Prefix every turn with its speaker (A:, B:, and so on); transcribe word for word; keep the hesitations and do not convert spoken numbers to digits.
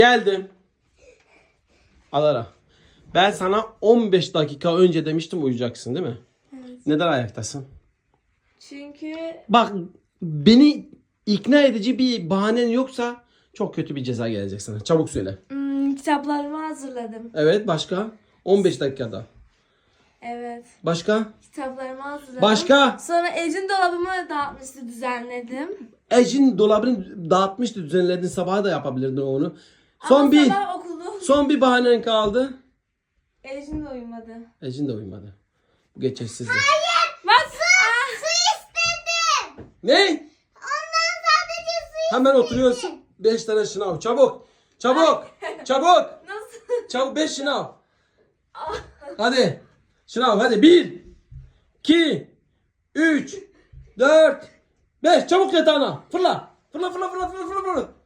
A: Geldim. Alara. Ben sana on beş dakika önce demiştim uyuyacaksın değil mi?
B: Evet.
A: Neden ayaktasın?
B: Çünkü
A: Bak beni ikna edici bir bahanen yoksa çok kötü bir ceza gelecek sana. Çabuk söyle.
B: hmm, kitaplarımı hazırladım.
A: Evet başka? on beş dakikada.
B: Evet.
A: Başka?
B: Kitaplarımı hazırladım.
A: Başka?
B: Sonra Ecin dolabımı dağıtmıştı, düzenledim.
A: Ecin dolabını dağıtmıştı, düzenledin, sabaha da yapabilirdin onu. Son
B: Ama
A: bir
B: sabah okulu.
A: son bir bahanen kaldı.
B: Ecin de uyumadı.
A: Ecin de uyumadı. Bu geçersizdi.
B: Bak.
C: Su istedim.
A: Ne?
C: Ondan sadece su
A: Hemen oturuyorsun. beş tane şınav. Çabuk. Çabuk. Çabuk.
B: Nasıl?
A: Çabuk beş şınav. Hadi. Şınav hadi. bir iki üç dört beş. Çabuk yatağına. Fırla. Fırla fırla fırla fırla fırla. fırla.